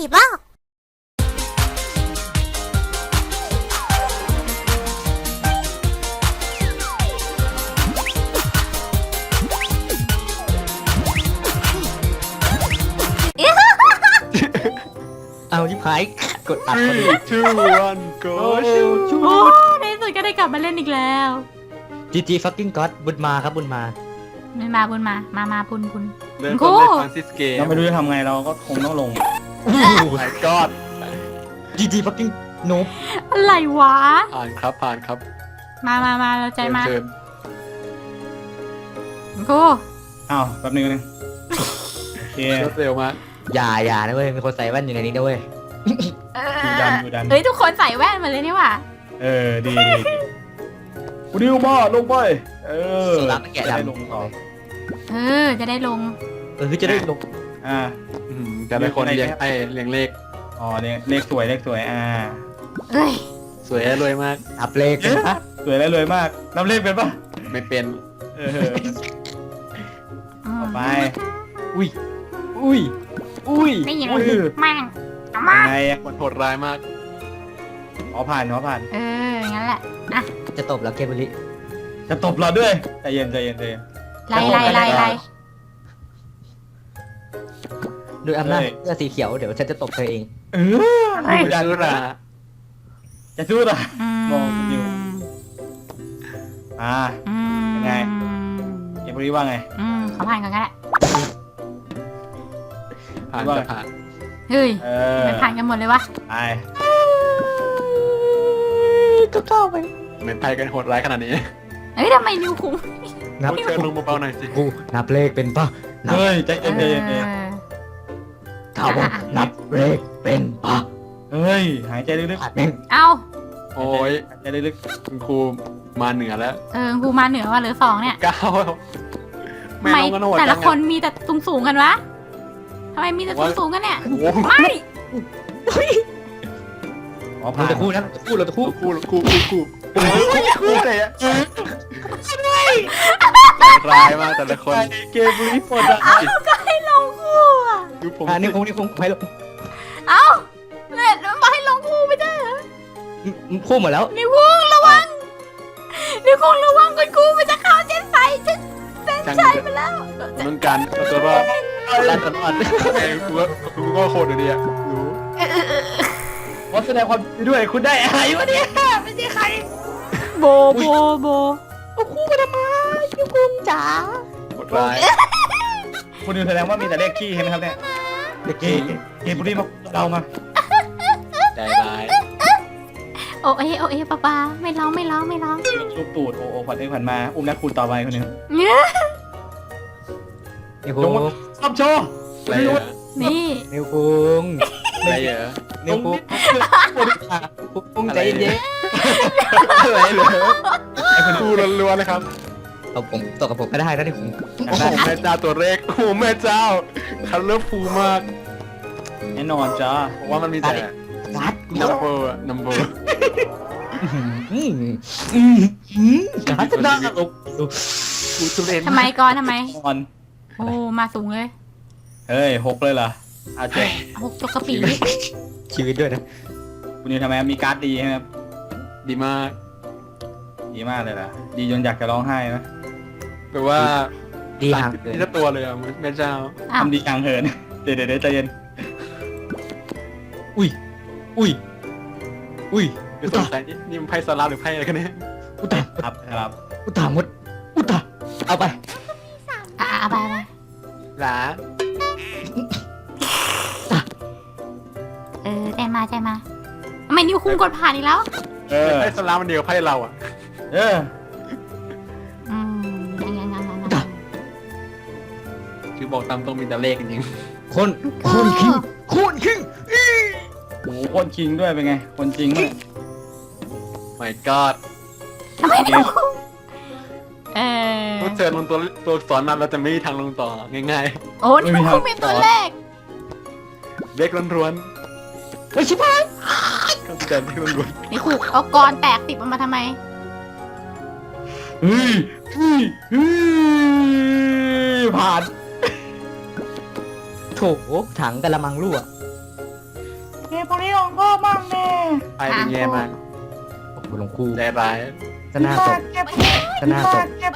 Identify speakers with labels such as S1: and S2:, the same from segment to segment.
S1: บ้า
S2: เอาชิบหายกดอัดพอดี
S3: 3 2 1 go
S2: ชู
S4: โอ้ในที่สุดก็ได้กลับมาเล่นอีกแล้ว
S2: GG fucking god บุญมาครับบุญมา
S4: ไม่มาบุญมาบุญ
S3: เริ่มต้นในฟรานซิสเกม
S5: เราไม่รู้จะทำไงเราก็คงต้องลง
S3: my god
S2: GG fucking noob
S4: อะไรวะ
S3: ผ่านครับผ่านครับ
S4: มาเราใจมา
S3: เชิญ
S4: กู
S5: อ้าวแป๊บนึงโอเค
S3: รวดเร็วมาก
S2: อย่านะเว้ยมีคนใส่แว่นอยู่ในนี้ด้วย
S5: ดูดัน
S4: เฮ้ยทุกคนใส่แว่นมาเลยนี่หว่า
S5: ดีคุณดิวมาลงไป
S2: สลับแกะดำ
S5: ได้ลงต่อ
S4: จะได้ลง
S2: จะได้ลง
S3: แต่ละคนเรียงเรียงเลข
S5: อ๋อเลขสวย
S4: เอ้ย
S3: สวยและรวยมาก
S2: อัพเลขนะ
S5: สวยและรวยมากนับเลขเป็นปะ
S3: ไม่เป็น
S5: ต่อไป
S2: อุ้ย
S4: นี่ยัง
S5: อุ้ย
S4: แม่งเอามา
S5: ยังไง
S3: มันโหดร้ายมาก
S5: ผ่าน
S4: งั้นแหละ
S2: จะตบแล้วเกมบุรี
S5: จะตบเราด้วยใจเย็น
S4: ไล่
S2: ด้วยอำนาจเสื้อสีเขียวเดี๋ยวฉันจะตบเธอเอง
S3: จะรู้รา
S5: จะสู้หรอ มองอยู่ ยังไง เกมบุรีว่าไง
S4: ขอผ่านก่อนก็ได้
S3: ผ่านจะผ่าน
S4: เฮ้ยมันผ่านกันหมดเลยวะ
S5: ไป
S2: ก็เข้าไป
S3: เหมือนไทยกันโหดร้ายขนาดนี้
S4: เฮ้ยทำไมนิ้วคุ้ม
S2: นับ
S3: เชิญลงเบาๆหน่อยสิ
S2: กูนับเลขเป็นปะ
S5: เฮ้ยใจเย็น
S2: ถามว่านับเลขเป็นปะ
S5: เฮ้ยหายใจลึก
S2: อัดแม่ง
S4: เอา
S3: โอ้ย
S5: หายใจลึก
S3: คุณครูมาเหนือแล้ว
S4: กูมาเหนือว่าเหลือ2เนี่ย
S3: 9ไม่
S4: ทำไม
S3: ลงกันโหด
S4: แต่ละ
S3: จัง
S4: คนมีแต่สูงกันวะทำไมมีแต่สูงกันเนี่ย
S3: โอ้โห
S4: ไม่
S5: อ๋อ
S2: เรา
S5: ผ่าน
S2: จะคู่นะเราจะคู่
S3: คู่เลยอะร้ายมากแต่ละคน
S5: เกมบุรีโคตร
S4: ก็ให้ลงคู่อ่ะ
S3: ดูผม
S2: นี่คงให้ลง
S4: เอ้าเน็ตมันบอกให้ลงคู่ไม่ได้เหรอ
S2: คู่หมดแล้ว
S4: นิ้วคุ้งระวังกันคู่มันจะเข้าเส้นไฟเส้นชัยไปแล้ว
S3: เหมือนกันเอาตัวรอด
S2: ดันตลอด
S3: ไอ้กูก็โคตรดีอะรู้
S5: ขอแสดงความยินดีด้วยคุณได้อะไรวะเนี่ยไม่ใช่ใคร
S4: โบเอาคู่มาทำไมนิ้วคุ้งจ๋า
S3: โหดร้าย
S5: คุณดิวแสดงว่ามีแต่เลขขี้ใช่ไหมครับเนี่ยเกมบุรีมาเรามา
S3: ใจร้าย
S4: โอเอป้าไม่ร้อง
S5: ลูกตูดโอผ่านไปผ่านมาอุ้มนักคุณต่อไปคนหนึง
S4: เนี่ย
S2: นิ้วคุง
S5: ซับโชว์
S3: อะไรเหรอ
S4: นี่
S2: นิ้วคุง
S3: อะไรเหรอ
S2: นิ้วคุงคุงใจเย็น
S3: อะไรเหรอคู่ล้วนๆเลยครับ
S2: เอาผมตกกับผมก็ได้นะนิ้วคุง
S3: โอ้โหแม่เจ้าตัวเลขโอ้โหแม่เจ้าคันเลอร์ฟูมาก
S5: แน่นอนจ้า
S3: ผมว่ามันมีแต่
S2: รัด
S3: number
S2: รัดหน้าอก
S3: กูทุเรศ
S4: ทำไมก่อนทำไม
S5: นอน
S4: โอ้มาสูงเลย
S5: เฮ้ย6เลยเหรอเอาเจ๊
S4: 6 จกกระปี
S2: ชีวิตด้วยนะ
S5: คุณดิวทำไมครับมีการ์ดดีใช่ไหมครับ
S3: ดีมาก
S5: ดีมากเลยล่ะดีจนอยากจะร้องไห้นะ
S3: แปลว่า
S2: ดีห่างเกิน
S3: นี่ถ้าตัวเลยอะแม่เจ้า
S4: อ้าว
S5: ทำดีกลางเหินเดี๋ยวใจเย็น
S2: อุ้ย
S3: คือสงสัยนี่มันไพ่สลับหรือไพ่อะไรกันเนี่ย
S2: อุตา
S5: ครับ
S2: อุตามดอุตาเอาไป
S4: เอาไป
S3: หลา
S4: ใจมาทำไมนิ้วคุ้งกดผ่านอีกแล้ว
S3: ไพ่สลับมันเดียวไพ่เราอะ
S4: ยัง
S3: คือบอกตามตรงมีแต่เลขจริง
S2: คนคิง
S5: โอ้โหคนจริงด้วยเป็นไงคนจริงด้วย
S3: ๆ my god
S4: ทำไมนิ้ว
S3: พูดเชิญลงตัวสอนมาเราจะไม่มีทางลงต่อง่าย
S4: โอ้นิ้วคุ้งเป็นตัวเลข
S3: ๆเลขล้วน
S2: ไม่ใช่ป่ะ
S3: ๆก็จะเลขล้วน
S4: นี่ขู่เอากรแตกติดมันมาทำไม
S5: เฮ้ยผ่าน
S2: โถถังกะละมังรั่ว
S5: พวกนี้ลองพ่อมั่งแน่
S3: ไปเป็นแย่มาก
S2: โอ้โหหลวงครู
S3: ใจร้าย
S2: จะหน้าตก
S5: เก็บ
S2: จะหน้าตก
S5: เก็บ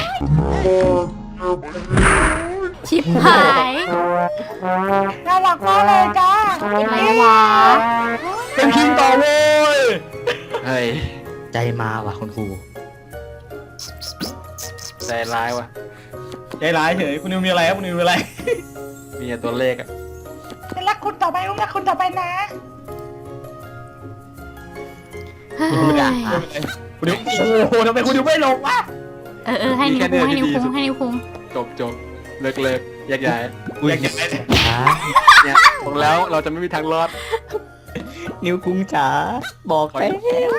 S4: ชิบหาย
S5: น่ารักมากเลยจ้า
S4: อะไรวะ
S5: เป็นคิงต่อเว้ย
S3: เฮ้ย
S2: ใจมาว่ะคุณครู
S3: ใจร้ายว่ะ
S5: ใจร้ายเฉยคุณนิวมีอะไรครับคุณนิวมีอะไร
S3: มีแต่ตัวเลขอะ
S5: เป็นรักคุณต่อไปลูกรักคุณต่อไปนะ
S4: เฮ้ย
S5: คุณนิวโอ้โหทำไมคุณนิวไม่ลงวะ
S4: ให้นิ้วคุ้งให้นิ้วคุ้ง
S3: จบเลิกแยกย้าย
S5: อยากจะไป
S2: จ๋า
S3: เนี่ยบอกแล้วเราจะไม่มีทางรอด
S2: นิ้วคุ้งจ๋าบอกแล้ว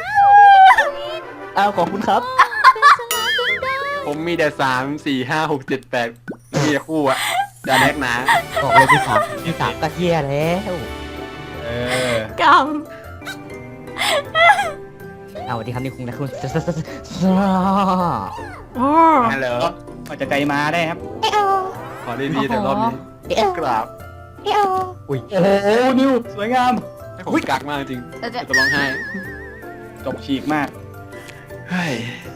S2: อ้าวขอบคุณครับ
S3: ผมมีแต่3 4 5 6 7 8มีแต่คู่อะจะแลกหนา
S2: บอกเลยที่สามก็เฮียแล้ว
S4: กรรม
S2: เอาสวัสดีครับนิ้วคุ้งนะคุณ
S4: โอ้
S3: ฮัลโหล
S5: อาจจะใจมาได้ครับ
S3: ขอดีๆแต่รอบนี้กราบ
S2: อุ้ย
S5: โอ้โหนิวสวยงาม
S3: ให้ผมกักมากจริงจะร้องไห้
S5: จบฉีกมาก
S3: เฮ้ย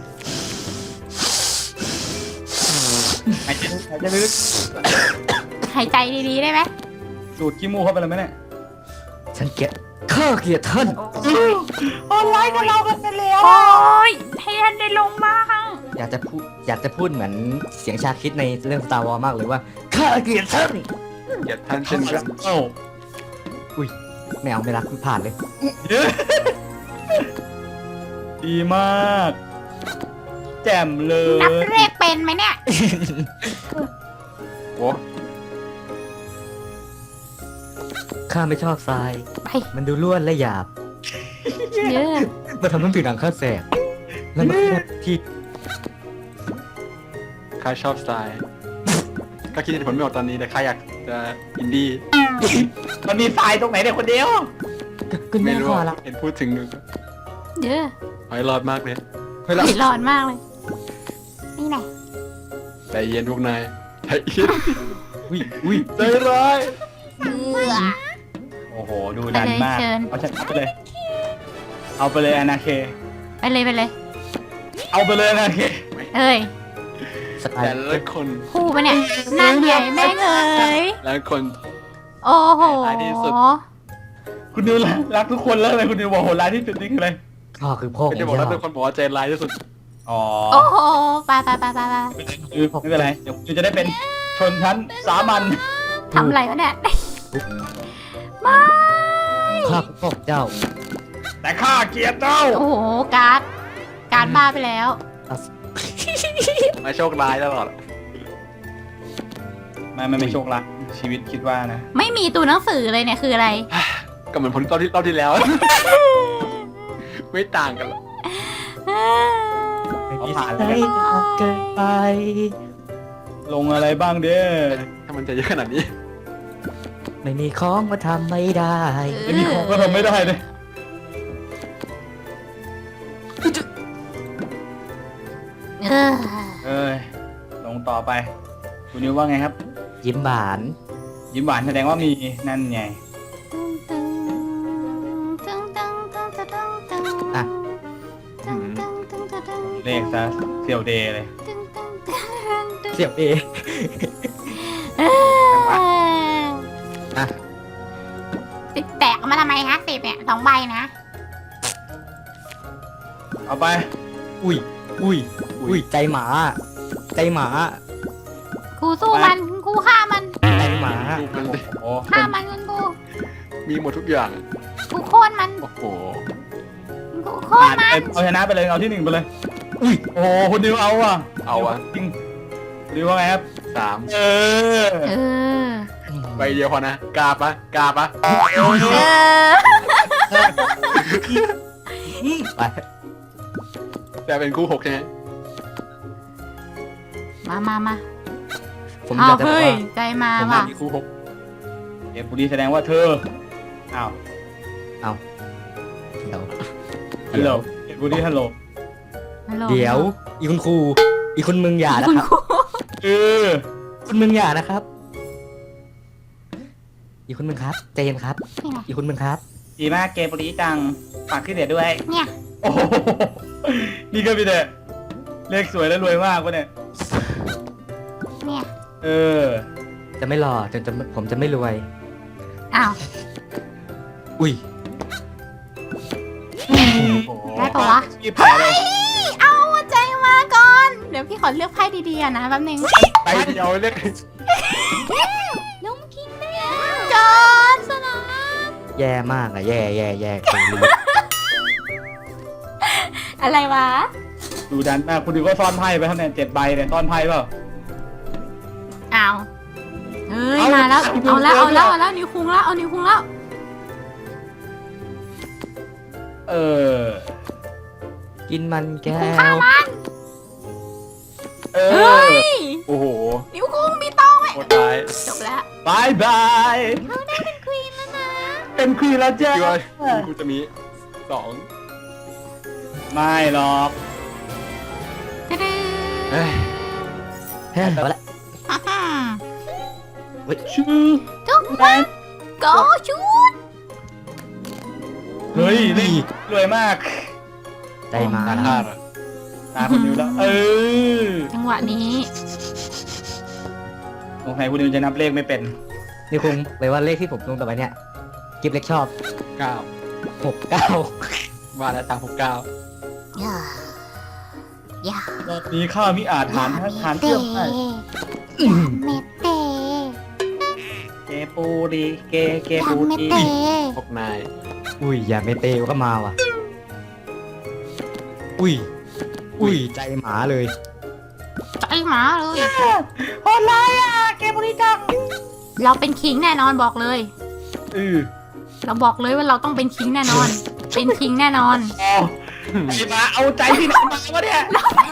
S5: หายใจลึก
S4: หายใจดีๆได้ไหม
S5: สูดขี้มูกเข้าไปเลยไหมเนี่ย
S2: ฉันเกลียดข้าเกลียดท่าน
S5: ออนไลน์กับเรากันไปแล้ว
S4: โอ้ยให้ท่านได้ลงบ้าง
S2: อยากจะพูดเหมือนเสียงชาคิดในเรื่อง Star Wars มากเลยว่าข้าเกลียดท่าน
S3: เกลียดท่านเช่นกัน
S5: เอ้า
S2: ไม่เอาไม่รักผ่านเลย
S5: ดีมาก แจ่มเล
S4: นับ
S5: ย
S4: เลขเป็นไหมเนี่ย
S3: โอ้
S2: ข้าไม่ชอบทราย
S4: ไป
S2: มันดูล้วนและหยาบ
S4: เยอะ
S2: มาทำให้ผิวหนังข้าแสบแล้วมันแค่ที่
S3: ข้าชอบสไตล์ก็คิดเหตุผลไม่ออกตอนนี้แต่ข้าอยากจะอินดี้
S5: มันมีทรายตรงไหนเนี่ยคนเดียว
S2: ก็
S3: ไม่
S2: แน่
S3: รู้
S2: พอ
S3: อะ
S2: ละ
S3: เห็นพูดถึง
S4: เยอะ
S3: หอยรอดมากเลย
S4: ร้อนมากเลย นี่ไหน
S3: ใจเย็นพวกนายใจเย็น
S2: อุ้ย
S3: ใจร้าย
S4: เบื่อ
S5: โอ้โห ดูดันมาก
S4: ไปเลยเชิญ
S5: เอาฉันเอาไปเลย เอาไปเลยอนาเค
S4: ไปเลยไปเลย
S5: เอาไปเลยอนาเค
S4: เอ้ย
S2: สไต
S3: แต่
S2: ล์
S3: ละคน
S4: คู่ปะเนี่ยนั่นใหญ่แม่งเอ้ย
S3: และคน
S4: โอ้โห
S3: ท้ายที่สุด
S5: คุณนิวรักทุกคนแล้วเลยคุณนิวบอกโหร้ายที่สุดนี่คืออะไร
S2: ข้าคือพ่อข
S3: ก็
S2: อง
S3: จะบอกว่า
S2: เจ้า
S3: ทุกคนบอกว่าใจร้ายที่สุด
S5: อ๋อ
S4: โอ้โหไปไปไปไปไป
S5: ไม่เป็นไร เดี๋ยวคุณจะได้เป็นชนชั้นสามัญ
S4: ทำอะไรวะเนี่ย ไม่
S2: ข้าคือพ่อของเจ้า
S5: แต่ข้าเกลียดเจ้า
S4: โอ้โห การ์ดบ้าไปแล้ว
S3: ไม่โชคร้ายตลอด
S5: ไม่โชคร้ายชีวิตคิดว่านะ
S4: ไม่มีตัวหนังสือเลยเนี่ยคืออะไร
S3: ก็เหมือนผลรอบที่แล้ว ไม่ต่างกันหรอก
S2: ไม่
S5: เอา
S2: มี
S5: ผ่าน
S2: ใจ
S5: เลย
S2: เกินไป
S5: ลงอะไรบ้างเด้อ
S3: ถ้ามันจะเยอะขนาดนี้
S2: ไม่มีของมาทำไม่ได้
S5: ไม่มีของก็ทำไม่ได้เลย
S4: เออ
S5: เอ้ย ลงต่อไป คุณนิวว่าไงครับ
S2: ยิ้มหวาน
S5: ยิ้มหวานแสดงว่ามีนั่นไง
S2: อ่ะ
S5: เลขซะเซียวเดย์เลย
S2: เสียบเอ อ่ะ
S4: ติดแตกมาทำไมฮะ10เนี่ย2 ใบนะ
S5: เอาไป
S2: อุ้ยใจหมาใจหมา
S4: ครูสู้มันครูฆ่ามัน
S2: ใจหมา
S3: ดูมันดิ
S5: โอ้
S4: ฆ่ามันคุณครู
S3: มีหมดทุกอย่าง
S4: ครูโค่นมัน
S3: โอ้โห
S4: ครูโค่น
S5: ผ่าน
S4: มัน
S5: ไปเอาชนะไปเลยเอาที่1ไปเลยอุ้ยโอ้โหคุณนิวเอาอ่ะ
S3: เอาอะ
S5: จริงคุณนิวว่าไงครับ
S3: 3
S5: เออ
S4: เออ
S3: ใบเดียวพอนะกล้าปะ
S4: เออ
S2: ไป
S3: แต่เป็นคู่6ใช่ไหม
S4: มา
S2: ผมอ
S4: อ้าวย
S2: ากจะบอก
S4: เฮ้ย
S2: ว่า
S4: ใจมา
S3: ผม
S4: ว่ะ
S3: มีคู่
S5: เอฟบุรีแสดงว่าเธออ้าว
S2: เดี๋ยว
S5: ฮัลโหลเอฟบุรีฮัลโหล
S4: ฮัลโหล
S2: เดี๋ยว อีคุณครู อีคุณมึงอย่านะ
S4: คุณ
S2: ครับ
S4: ครู
S5: เออ
S2: คุณมึงอย่านะครับ อีคุณมึงครับใจเย็นครับ
S4: นี่ไง
S2: อีคุณมึงครับ
S5: ดีมากเกมบุรีจังฝากขึ้นเดี๋ยวด้วย
S4: เนี่ย
S5: โอ้โหนี่ก็มีแต่เลขสวยและรวยมากวะเนี่ย
S4: เนี่ย
S5: เออ
S2: จะไม่หล่อจนจะผมจะไม่รวย
S4: อ้าว
S2: อุ้ย
S4: ได้ปะวะ
S5: มีแผลเลย
S4: เอาใจมาก่อน เดี๋ยวพี่ขอเลือกไพ่ดีๆนะแป๊บนึง
S3: ไปเดียวเรียก
S4: ลุงคิงก่อนสนาม
S2: แย่มากอะแย่คือ
S4: อะไรวะ
S5: ดูดันมากคุณดูก็ซ่อนไพ่ไปเท่านั้น7 ใบเนี่ยซ่อนไพ่เปล่า
S4: อ้าวเฮ้ย
S5: เอา
S4: มาแล้ว
S5: เอา
S4: เอาแล้ว
S5: เอา
S4: เอาแล้วนิ้วคุงแล้วเอานิ้วคุงแล้ว
S5: เออ
S2: กินมันแก้
S4: คุงข้าว
S2: ว
S4: มัน
S5: เอ
S4: เฮ้
S5: อย
S3: โอ้โห
S4: นิ้วคุงมีตองไหม
S3: โคตรร้าย
S4: จบแล้ว
S5: บายบาย
S4: เขาได้เป็นควีนแล้วนะ
S5: เป็นควีนแล้วจ้า
S3: คิดว่ากูจะมี2
S5: ไม่หรอก
S4: กระดึ๊
S3: เฮ้ย
S2: เฮ้ยเอาละ
S5: ชื่อ
S4: ทุกคนโกชุด
S5: เฮ้ยนี่รวยมาก
S2: ใจมา
S3: ตา
S2: แล้ว
S3: ฆาตอะ
S5: ตาคุณนิวแล้ว เออ
S4: จังหวะนี้
S5: สงสัยคุณนิวจะนับเลขไม่เป็น
S2: นี่คงเลยว่าเลขที่ผมลงต่อไปเนี่ยกิฟเล็กชอบ
S3: 9
S2: 69
S3: มาแล้วตาม69
S4: อย่าอย่าร
S5: อบนี้ข้ามิอาจหารเชื่อมได้
S4: เมเต
S5: เกปูดีเก
S4: อย่า
S5: ปู
S4: เม
S5: ดี
S4: เต
S3: พวกนาย
S2: อุ้ยอย่าไม่เตวก็มาว่ะ อุ้ยใจหมาเลย
S4: ใจหมาเลย
S5: โหดร้ายอ่ะเกปูดีจัง
S4: เราเป็นคิงแน่นอนบอกเลย เราบอกเลยว่าเราต้องเป็นคิงแน่นอน เป็นคิงแน่นอน
S5: อ๋อไอ้มาเอาใจที่ไหนมาวะเนี่ย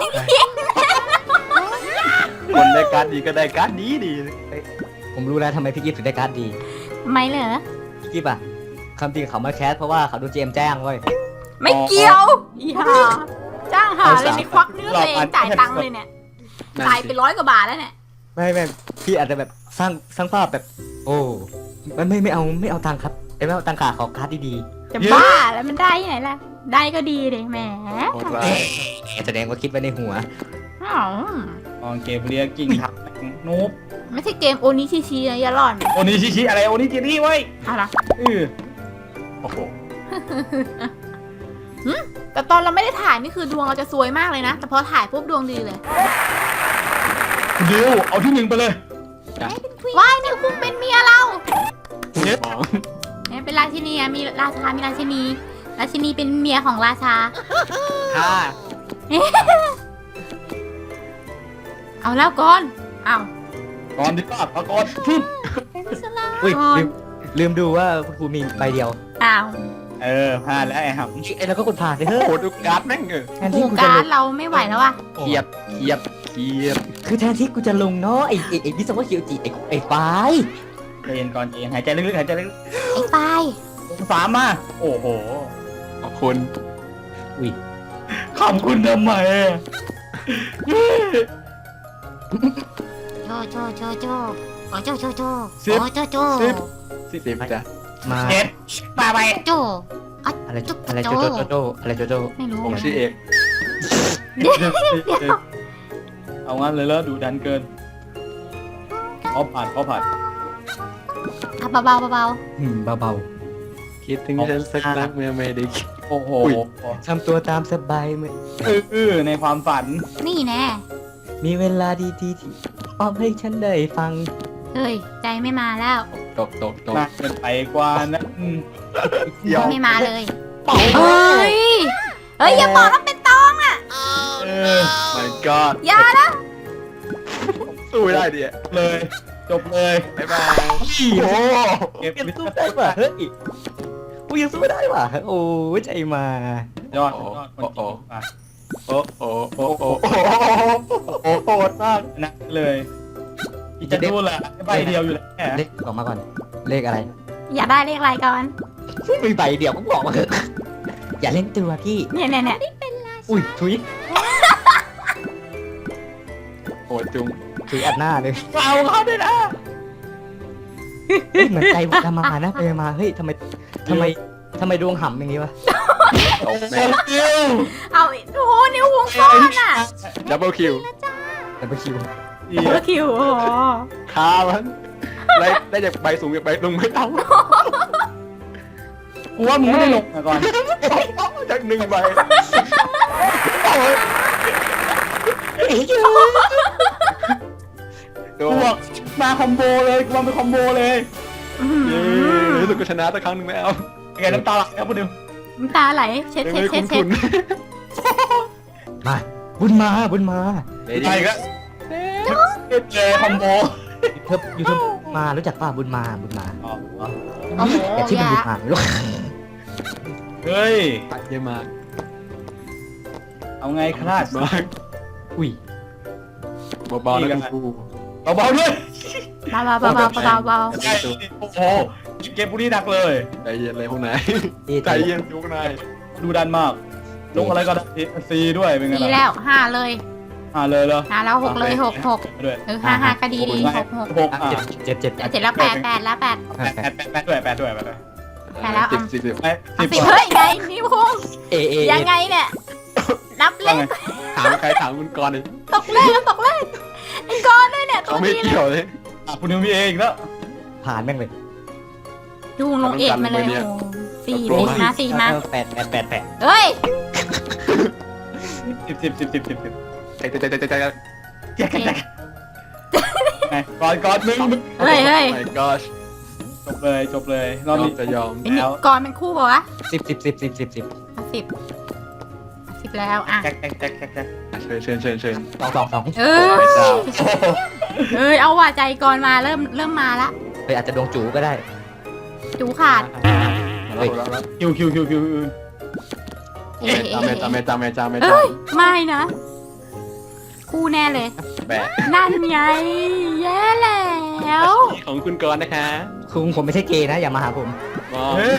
S3: คนได้การ์ดดีก็ได้การ์ดดี
S2: ผมรู้แล้วทำไมพี่กิฟถึงได้การ์ดดี
S4: ไม่เหรอ
S2: พี่กิฟอะคำจริงเขามาแคสเพราะว่าเขาดูเจมแจ้งเว้ย
S4: ไม่เกี่ยว อีห่าจ้างหาเลยในควักเนื้อตัวเองจ่ายตังค์เลยเนี่ย
S3: นั่น
S4: จ่าย
S3: สิ
S4: ไป100 กว่าบาทแล้วเนี่ย
S2: ไม่พี่อาจจะแบบสร้างภาพแบบ โอ้ไม่เอาตังค์ครับไม่เอาตังค์ขาขอการ์ดดี
S4: จะบ้าแล้วมันได้ที่ไหนล่ะ ได้ก็ดีเลยแหม
S3: โคตรร้าย
S2: ๆแสดงว่าคิดไว้ในหัว
S4: อ้าว
S5: มองเกมเรียกิ่งทับนูบ
S4: ไม่ใช่เกมโอนิชิชินะอย่าหล่อน
S5: โอนิชิชิอะไรโอนิจินี่เว้ย
S4: เอาล่ะ
S3: โอ้โห
S4: แต่ตอนเราไม่ได้ถ่ายนี่คือดวงเราจะซวยมากเลยนะ แต่พอถ่ายปุ๊บดวงดีเลย
S5: คุณดิวเอาที่ 1ไปเลย
S4: ว้ายนิวคุ้งเป็นเมียเรา
S3: มอง
S4: เนี่ยเป็นราชินีอะมีราชา มีราชินี ราชินีเป็นเมียของราชา
S3: 5
S4: เอาแล้วก่อนเอา
S5: ก่อนดีกว่าเอาก่อนฟึบ
S2: อุ้ย
S4: ก่อน
S2: ลืมดูว่าคุณครูมีใบเดียว
S4: เอา
S5: พลาดแล้วไอ้ห
S2: ไอ้แล้วก็กดผ่านไปเถ
S3: โอ้
S2: อะ
S3: โหดูการ์ดแม่งเออ
S2: แทน
S4: โคร
S2: ที่
S4: ง
S2: กูจะ
S4: การ
S2: ล
S4: รง เราไม่ไหวแล้วอะ
S3: เทียบ
S2: คือแทนที่กูจะลงเนาะไอ้วิศวะเคียวจิไอ้ไฟ
S5: ำใจเย็นก่อนใจเย็นหายใจลึกๆหายใจลึก
S4: ไอ้ปลาย
S5: ๆลง3มาโอ้โห
S3: ขอบคุณ
S2: อุ้ย
S5: ขอบคุณทำไมอะ
S4: โจโอ้โจโจ
S5: สิบ
S4: โอ้โจโจ
S3: 10 จ้ะ
S2: มา
S5: 7มาไป
S4: โจ
S2: อะไรโจอะไรโจโจ
S4: ไม่รู้
S3: ผมชื่อเอก
S5: เอางั้นเลยแล้วดูดันเกินเขาผ่าน
S4: อ่ะเบาๆเบา
S2: เบา
S3: คิดถึงฉันสักนักเมื่อไม่ได้คิด
S5: โอ้โห
S2: ๆทำตัวตามสบายเมื่อ
S5: ในความฝัน
S4: ๆนี่แน่
S2: มีเวลาดีๆที่อ้อมให้ฉันได้ฟัง
S4: เฮ้ย ใจไม่มาแล้ว
S3: ตก
S5: มากเกินไปกว่านั้น
S3: เดี๋ยว
S4: ไม่มาเลย
S5: เป่า
S4: เฮ้ย เฮ้ย อย่าบอกว่าเป็นตองอ่ะ
S3: มันก็
S4: อย่านะ
S3: สู้ไม่ได้ดิ
S5: เลยจบเลย
S3: บ๊ายบายโอ้โห
S5: เก็บ
S2: ยัง
S5: วิ
S2: สู้
S5: ศ
S2: ได้ว่ะเฮ้ยกูยังสู้ได้ว่ะโอ้ยใจมา
S5: ยอดคนจริงมา
S3: โอ้โหโอ้โห
S5: โหดมากนะเลยอีจะดูแหละใบเดียวอยู่แล้ว
S2: เลขออกมาก่อน เลขอะไร
S4: อย่าได้เลขอะไรก่อน
S2: มีใบเดียวก็บอกมาเถอะอย่าเล่นตัวพี่
S4: เนี่ย
S2: อุ้ยทุย
S3: โหดจุง
S2: ทุยอัดหน้าเลย
S5: เอาเขาด้วยนะ
S2: เหมือนใจจะมานะไปมาเฮ้ยทำไมทำไมดวงห่ำอย่างนี้วะ
S3: ตกแม่
S4: เอาโอ้โหนิ้ววงซ่อนอ่ะ
S3: ดับเบิลคิว
S2: แต่ไปคิว
S4: เบอร์คิวโอ้โห
S3: คามันได้จากใบสูงจากใบลงไม่ต้อง
S5: กูว่ามึงไม่ได้ลงมาก่อน
S3: จากหนึ่งใบ
S5: กูบอกมาคอมโบเลยกูวางเป็นคอมโบเลย
S3: เย้รู้สึกก็ชนะสักครั้งหนึ่งแล้ว
S5: ไงน้ำตาไหลครับคุณดิว
S4: น้ำตาไหลเช็ด
S3: ไม่
S4: เช็ด
S3: ได้
S4: เช็ด
S3: คุ้
S4: เช็ด
S3: น
S2: มาบุญมาบุญมา
S3: ๆ
S5: ใช่ก็เจอคอมโบ
S2: ยูทูบมารู้จักป่ะบุญมาบุญมา
S5: อ๋อ
S4: โอ้โห
S2: แต่ที่
S4: อ
S2: มัน
S4: ย่า
S2: บุญมาไม่รู้
S5: เฮ้ย
S3: เยอะมาก
S5: เอาไงคลาด
S3: มาก
S2: อุ้ย
S3: เบาๆนะคุณครู
S5: เบาๆด้วย
S4: เบาเบาเบาเบาเบา
S5: ใช่โอ้โหเกมบุรีหนักเลย
S3: ใจเย็นเลยพวกนาย
S2: ดี
S3: ใจเย็นพวกนาย
S5: ดูดันมากลงอะไรก็ได้ซีด้วยเป็นไง
S4: ดีแล้วห้าเลย
S5: เลยเหรอ
S4: ห้าแล้วหกเลยหกหก
S5: ด้วย
S4: ห้าก็ดีดีหกหก
S5: หก
S2: เจ็ด
S4: เจ็ดแล้วแปดแล้วแปด
S5: แปดด้วยแปดด้วย
S4: ไปแล้ว
S3: สิบ
S5: ไอ้
S4: เอาสิเฮ้ยไงนิ้วคง
S2: เอ
S4: ยังไงเนี่ยนับเล
S5: ว่า
S4: ข
S5: ไง
S3: ถามใครถามคุณกรณ์เลย
S4: ตกเลขแล้วตกเลขไอ้ก้อนด้วยเนี่ยตั
S3: เขา
S4: ว
S3: ไม่
S4: นี้
S3: เกี่ยวเลย
S5: คุณนิวมีเองแล้ว
S2: ผ่านแม่งเลย
S4: ดูลงเอกมาเลยโอ้สี่มาสี่มา
S2: แปด
S4: เฮ้ย
S5: 10
S3: ใจ
S5: ไงก่อนมึง
S4: เฮ้ยเฮ้ย
S3: ไม่ก็
S5: จบเลยร
S3: ย
S5: อบ
S3: อม
S5: นี้
S3: จะยอม
S4: ไอ้นี่ก่อนเป็นคู่ป่าวะ
S2: สิบ
S4: เอาสิบแล้วอ่ะ
S5: แจ็ค
S3: เชิญ
S2: สอง
S4: เอ้ยเอาว่าใจก่อนมาเริ่มมาละ
S2: เฮ้ยอาจจะดวงจูก็ได้
S4: จูขาด
S5: คิว
S4: เอ๊ะ
S3: ตาม
S4: เอ้ยไม่นะคู่แน่เลย
S3: แบะ
S4: นั่นไงแย่แล้ว
S3: ของคุณกรณ์นะคะ
S2: คุงผมไม่ใช่เกย์นะอย่ามาหาผม
S3: มอง
S5: เฮ้ย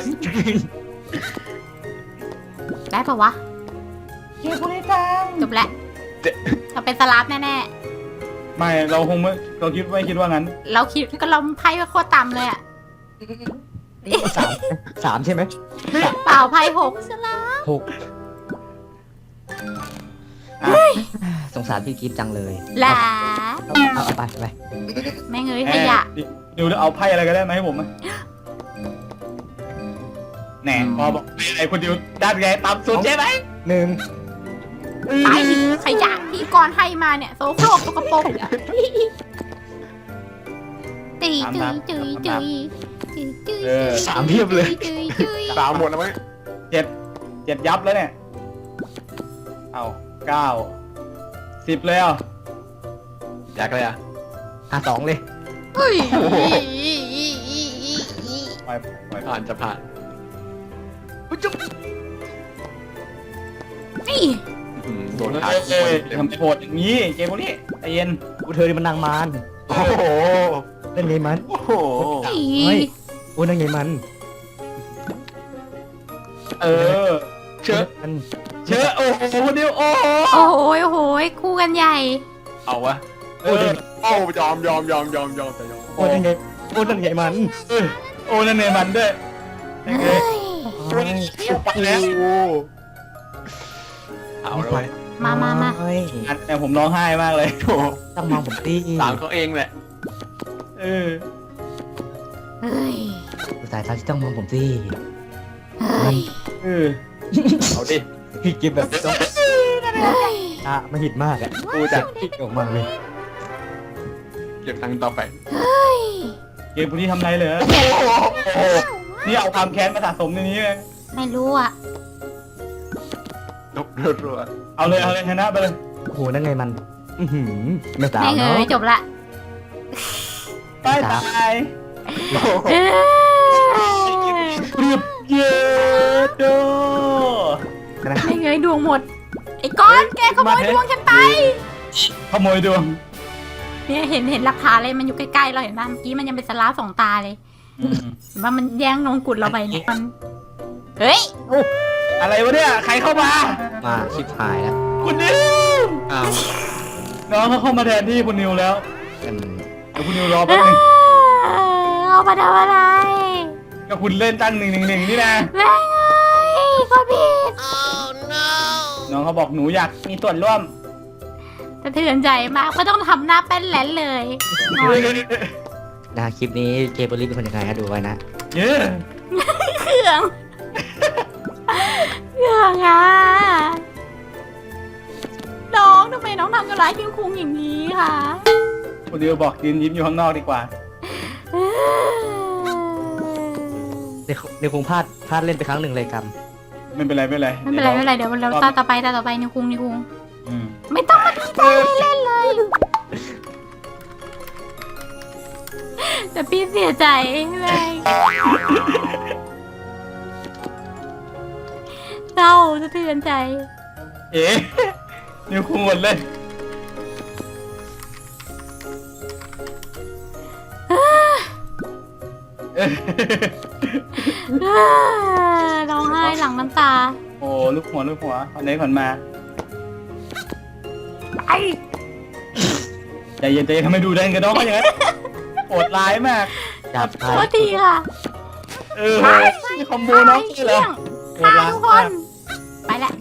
S4: ได้ปะวะ
S5: เฮ้ยคุณไอ้จัง
S4: จบแล้วเราเป็นสลับแน่
S5: ไม่เราคงไม่เราไม่คิดว่างั้น
S4: ๆเราคิดก็เราไพ่ว่าโคตรต่ำเลยอะ
S2: สามใช่ไหม
S4: เปล่าไพ่หก
S2: หกสงสารพี่กิฟต์จังเลย
S4: หลา
S2: เอาไป
S4: แม่งเอ้ยขยะ
S5: ดูเอาไพ่อะไรก็ได้มาให้ผมไหมแหน่พอบอกไอ้คุณดิวด้านไงต่ำสุดใช่ไหม
S2: หนึ่ง
S4: ตายดิขยะที่ก่อนให้มาเนี่ยโซโครกสกปรกตีจุย
S2: สามเพียบเลย
S3: สามหมดแล้วไหม
S5: 7ยับแล้วเนี่ยเอา9 10เลยอ่ะ
S3: อยากเลยอ่ะ
S2: สองเลย
S4: เฮ้ย
S5: ไป
S3: ผ่านจะผ่าน
S4: นี่
S3: โดนขา
S5: ทำโหดอย่างนี้เกมพวกนี้ใจเย็น
S2: กูเธอนี่มันนางมาร
S3: โอ้โห
S2: เล่นไงมัน
S3: โอ้โห
S2: เฮ้ยโอ้นั่นไงมัน
S5: เออ
S3: เชื่อ
S2: มัน
S5: เชื่อโอ้โหคุณดิวโอ้
S4: โอ้โหคู่กันใหญ่
S3: เอาวะ
S5: เออ
S3: โอ้ยอมจะยอม
S2: โอ้นั่นไงโอ้นั่นไงมัน
S5: โอ้นั่นเนมันด้วยยังไง
S3: ไปแล้วเอาเลย
S4: มา
S2: เฮ้ย
S5: อันแต่ผมร้องไห้มากเลย
S3: โอ้โห
S2: ต้องมองผมตี
S3: ตามเขาเองแหละ
S5: เออ
S4: เฮ้ย
S2: สายตาที่ต้องมองผมตี
S4: เฮ้ย
S5: เออ
S3: เอาดิ
S2: พี่กิฟต์แบบต้อง
S4: เฮ้ย
S2: มาหิดมากอ่ะ
S3: กูจะ
S2: พี่ออกมาเลย
S3: เก็บตังค์ต่อไป
S4: เฮ้ย
S5: เกมพวกนี้ทำไรเลยนี่เอาความแค้นมาสะสมในนี้เลย
S4: ไม่รู้อ่ะ
S3: นกรัว
S5: เอาเลยชนะไปเลย
S2: โอ้โหนั่นไงมันไม่สาว
S4: แม่ง
S2: เนาะ
S4: เอ้ยจบละ
S5: ตาย
S4: เอ้ย
S5: เรียบเย้โด
S2: นะ
S4: แม่งเอ้ยดวงหมดไอ้ก้อนแกขโมยดวงฉันไป
S5: ขโมยดวง
S4: เนี่ยเห็นหลักฐานเลยมันอยู่ใกล้ๆเราเห็นป่ะเมื่อกี้มันยังเป็นสลาฟสองตาเลยเห็นว่ามันแย่งมงกุฎเราไปเนี่ยมันเฮ้ย
S5: อะไรวะเนี่ยใครเข้ามา
S2: มาชิบหายแล้ว
S5: คุณนิว
S3: อ้าว
S5: น้องเขาเข้ามาแทนที่คุณนิวแล้ว
S2: กัน
S5: เดี๋ยวคุณนิวรอแป๊บนึง
S4: เอามาทำอะไร
S5: ก็คุณเล่นตั้ง111นี่นะ
S4: แม่งเอ้ยก็ผิด
S5: น้องเขาบอกหนูอยากมีส่วนร่วม
S4: สะเทือนใจมากก็ต้องทำหน้าเป็นแหลนเลยงอน
S2: นะคลิปนี้เกเบอรี่เป็นคนยังไงฮะดูไว้นะ
S5: เยอะ
S4: เครื่องเครื่องอ่ะน้องทำไมน้องทำกับร้ายคุณครูอย่างนี้คะ
S5: คุณดิวบอกยืนยิ้มอยู่ข้างนอกดีกว่า
S2: ในคงพลาดเล่นไปครั้งหนึ่งเลยกรรม
S5: ไม่เป็นไรไม่เป็นไร
S4: ไม่เป็นไรไม่เป็นไรเดี๋ยวเราตาต่อไปนิวคุง
S5: อืม
S4: ไม่ต้องมาดีใจเล่นเลยแต่พี่เสียใจแม่งเศร้าสะเทือนใจ
S5: เอ๊ะนิวคุงหมดเลย
S4: ร้องไห้หลังน้ำตา
S5: โอ้ลูกหัวอันนี้ผ่อนมา
S4: ไอ้
S5: ใจเย็นทำไมดูแดงกับน้องเขาอย่างนั้นโหดร้ายมาก
S2: จับ
S4: โทษทีค่ะ
S5: มีคอมโบน้องใช่เหรอโหด
S4: ตา
S5: ร้าย
S4: ทุกค
S5: มาก
S4: น ไปแล้ว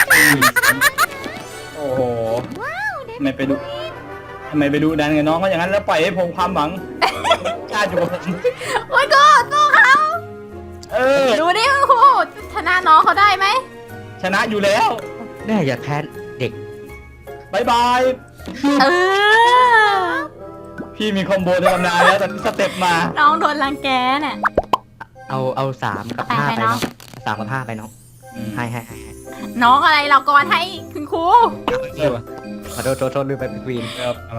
S5: โอ้โหทำไมไปดูดันกับน้องเขาอย่างนั้นแล้วปล่อยให้ผมความหวังกล้าอยู่กับผม
S4: โอ้ยก็สู้เขา ดูดิคุณครูชนะน้องเขาได้ไหม
S5: ชนะอยู่แล้ว
S2: แน่อย่าแพ้เด็ก
S5: บายบาย
S4: เออ
S5: พี่มีคอมโบในตำนานแล้วแต่สเต็ปมา
S4: น้องโดนรังแกเนี่ย
S2: เอา3 กับ 5 ไปเนาะ3 กับ 5 ไปเนาะให้
S4: น้องอะไรเราก่อนให้คุณครู
S2: ขอโทษลืมไปเป็นควีน
S5: เอามา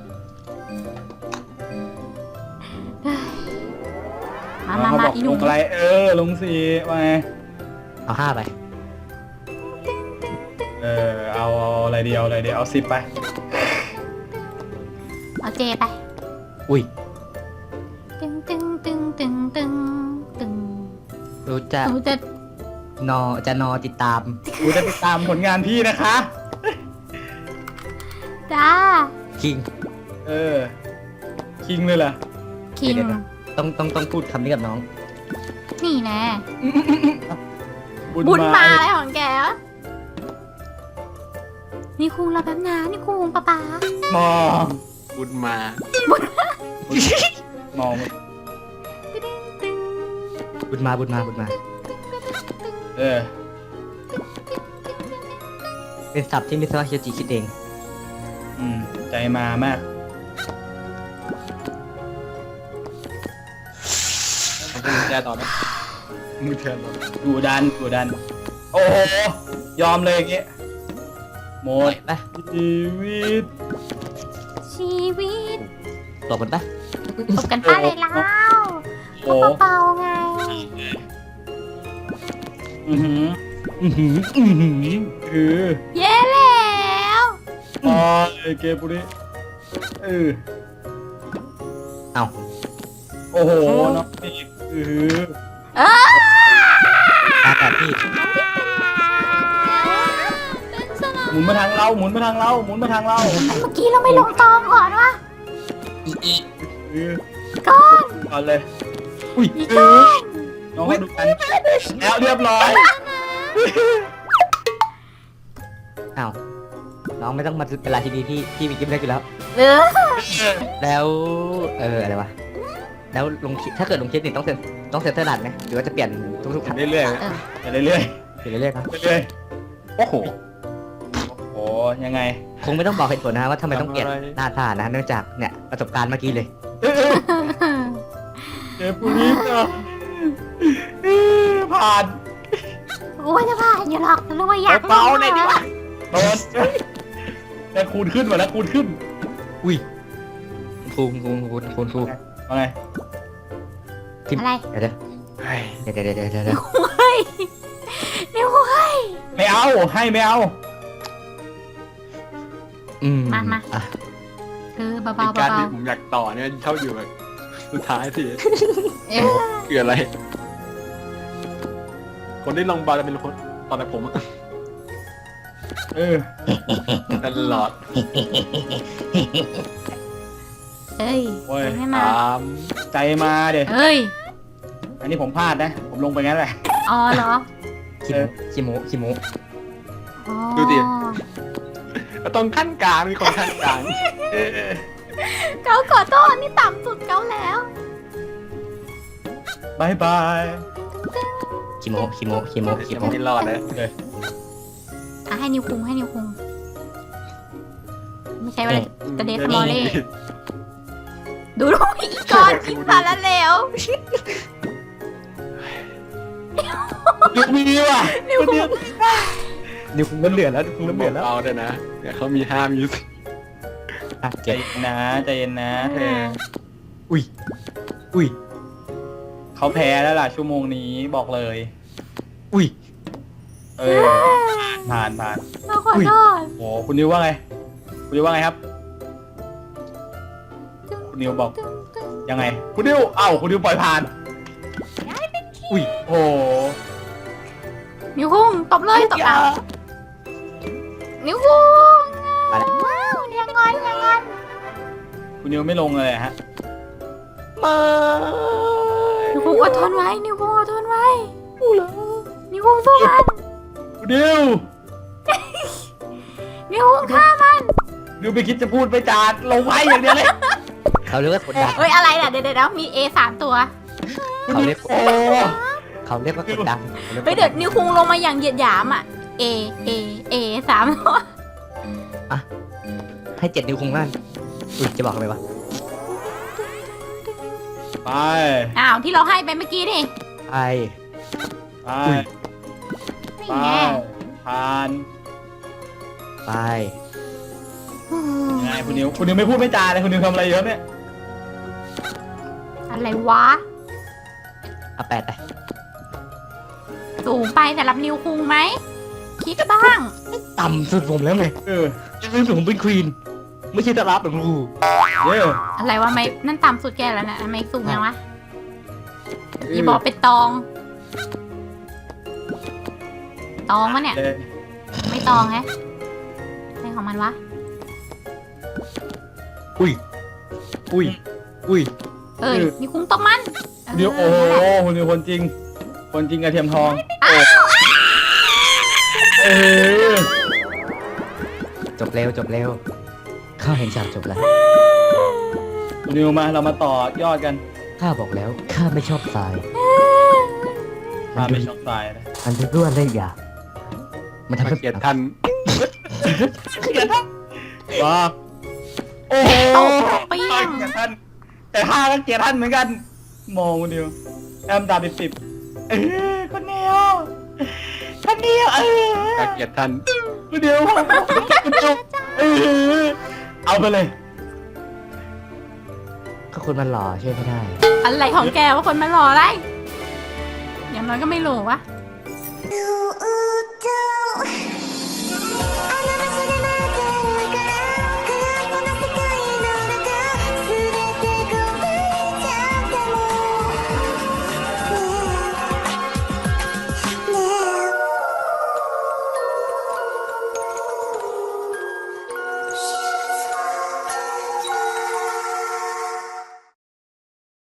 S4: มา
S5: เขาบอก
S4: อี
S5: ล
S4: นุ่
S5: ง
S4: ม
S5: อะไรลงสีมา
S2: เอา5 ไป
S5: เอาอะไรเดียวเอา10ไป
S4: เอาเจไป
S2: อุ้ย
S4: ตึง
S2: รู้จะ
S4: หนูจะ
S2: นอติดตาม
S5: กูจะติดตามผลงานพี่นะคะ
S4: จ้า
S2: คิง
S5: คิงเลยเหรอ
S4: คิง
S2: เดี๋ยว ต้องพูดคำนี้กับน้อง
S4: นี่แน่บุญมาอะไรของแกวะนี่คุงเราแป๊บนะนี่คุงป๊าม
S5: อง
S3: บุญมา
S5: มอง
S2: บุญมา เป็นศัพท์ที่มิสวะเชียจิคิดเอง
S5: ใจมามาก
S3: มือแชร์ต่อไหมมือแชร์ต่อ
S5: ดูดัน โอ้โห ยอมเลยอย่างเงี้ยหมด
S2: ไป
S5: ชีวิต
S4: ชีวิต
S2: ตบกันปะ
S4: ตบกันป้าเลยแล้ว
S5: โอ้
S4: ก็เบาๆไง
S5: อือหือคือ
S4: เย้แล้ว
S5: อ๋อเกปุริ
S2: เอา
S5: โอ้โหน้องอีก
S4: เออ
S2: ตาแต่พี่
S5: หมุนมาทางเรา
S4: เมื่อกี้เราไม่ลงตองก่อนวะ ก้อน
S5: ก่อนเลย
S4: อีก้อน
S5: น้องให้ดูกันแล้วเรียบร้อย
S2: เอาน้องไม่ต้องมาเป็นราชินีพี่มีกิ๊บได้อยู่แล้ว
S4: เออ
S2: แล้วอะไรวะแล้วลงคลิปถ้าเกิดลงคลิปนี่ต้องเซ็นเซอร์ดัดไหมหรือว่าจะเปลี่ยนทุกๆครั้ง
S3: เรื่อย
S5: เรื่อย
S2: เปลี่ยนเรื่อยๆครับ
S5: ๆเรื่อย
S3: ๆโอ้โห
S5: ๆโอ้ยังไง
S2: คงไม่ต้องบอกเหตุผลนะว่าทำไมต้องเปลี่ยนหน้าท่านะเนื่องจากเนี่ยประสบการณ์เมื่อกี้เลย
S5: เกปุริผ่าน
S4: กูว่าจะผ่านอยู่หรอกแต่รู้ว่าอยาก
S3: เบาๆหน่อยดิวะ
S5: โดนแต่คูณขึ้นหมดแล้วคูณขึ้น
S2: อุ้ยครู
S5: ว่าไง
S4: อะไร
S2: เดี๋ยว
S3: เฮ้ย
S4: เฮ้ยเดี๋ยวเฮ้ย
S5: ไม่เอาให้ไม่เอา
S4: มา
S2: อ่ะ
S4: เบา
S3: เป็นการที่ผมอยากต่อเนี่ยเท่าอยู่แบบสุดท้ายสิ
S4: ๆเออ
S3: คืออะไร คนที่ลงบอลจะเป็นคนตอนแต่ผมอะ ตลอด
S4: เอ้ย
S5: โอ้ย
S4: ไม่มา
S3: ตาม
S5: ใจมาเดี๋ย
S4: เอ้ย
S5: อันนี้ผมพลาดนะ ผมลงไปงั้นแหละ
S4: อ๋อเหรอ
S2: ขี้โมขี้โม
S4: อ๋อ
S3: ดูดิ ต้องขั้นกลางมีคนขั้นกลาง
S4: เกาขอโทษนี่ต่ำสุดเกาแล้ว
S5: บายบาย
S2: ขี้โมขี้โมขี้โมขี้
S3: ยัง
S2: โม
S3: ไม่รอดเลย
S4: อ่ะให้นิวคุงให้นิวคุงไม่ใช่ว่าจะเดสมอลเล่ดูดูอีกก่อนอีกสารเลว
S5: ยุคมีว่ะ
S4: นิวคุง
S2: นิวคงเริ่มเดือดแล้วนิวคงเริ่มเดือดแล้ว
S3: เบาๆด้วยนะเดี๋ยวเขามีห้ามอยู่
S2: อ่ะ
S5: ใจ
S2: เจ็บ
S5: เย็นนะใจเย็นนะเธอ
S2: อุ้ยอุ้ย
S5: เขาแพ้แล้วล่ะชั่วโมงนี้บอกเลย
S2: อุ้ย
S5: เออผ่าน
S4: เราขอโทษ
S5: โอ้คุณนิวว่าไง คุณนิวว่าไงครับ คุณนิวบอกยังไง คุณนิวเอ้าคุณนิวปล่อยผ่าน
S2: อุ้ย
S5: โอ้โห
S4: นิวคุงตบเลยตบเอานิวคุงว้าวยังงอนยังงอน
S5: คุณนิวไม่ลงเลยฮะ
S2: มา
S4: นิวคุงอดทนไว้นิวคุงอดทนไว้นิวคุงสู้มัน
S5: คุณนิว
S4: นิวคุงฆ่ามัน
S5: นิวไปคิดจะพูดไปจาดลงไว้อย่างเดียวเลย
S2: เขาเรียกว่ากดดัน
S4: เอ้ยอะไรน่ะเดี๋ยวมี A 3 ตัว
S2: เขาเรียก
S5: โอ้
S2: เขาเรียกว่ากดดัน
S4: เฮ้ยเดี๋ยวนิวคุงลงมาอย่างเหยียดหยามอ่ะ A 3 ตัว
S2: ให้7 นิ้วคงนั่นอุ้ยจะบอกอะไรวะ
S5: ไป
S4: อ้าวที่เราให้ไปเมื่อกี้นี่
S2: ไป
S5: ไป
S4: นี่
S5: ไป
S4: ไง
S5: ผ่าน
S2: ไป
S5: ยังไงคุณนิวไม่พูดไม่จาเลยคุณนิวทำอะไรเยอะเนี่ย
S4: อะไรวะ
S2: เอา8ไป
S4: สูงไปสำหรับนิวคุงไหมคิดบ้าง
S2: ต่ำสุดผมแล้วไง
S5: เออ
S2: ยังเป็นผมเป็นควีนไม่ใช่ตาลับหรอกลูก
S5: เย้
S4: อะไรวะไม่นั่นต่ำสุดแกแล้วนะไม่สูงยังวะอย่าบอกเป็นตองวะเนี่ย
S5: เลย
S4: ไม่ตองแฮะอะไรของมันวะ
S2: อุ้ยอุ้ยอุ้ย
S4: เอ้ยนิวคุงตบมัน
S5: คุณนิวโอ้โหคุณนิวคนจริงกระเทียมทองเออ
S2: จบเร็วจบเร็วข้าเห็นฉากจบแล้ว
S5: คุณนิวมาเรามาต่อยอดกัน
S2: ข้าบอกแล้วข้าไม่ชอบทราย
S5: พาไปช็อกตายนะ
S2: มันเป็นรั่วเล่ยามันทำให้
S3: เกลียดท่าน
S5: ว้าโอ้โห
S4: เปรี้ยง
S5: เกลียดท่านแต่ข้าก็เกลียดท่านเหมือนกันมองคุณนิวแอมตา10คุณนิวเออ
S3: เกลียดท่าน
S5: คุณนิวเอาไปเลย
S2: ก็คนมันหล่อช่วยไม่ได้
S4: อะไรของแกว่าคนมารออะไรอย่างน้อยก็ไม่รู้วะ
S1: You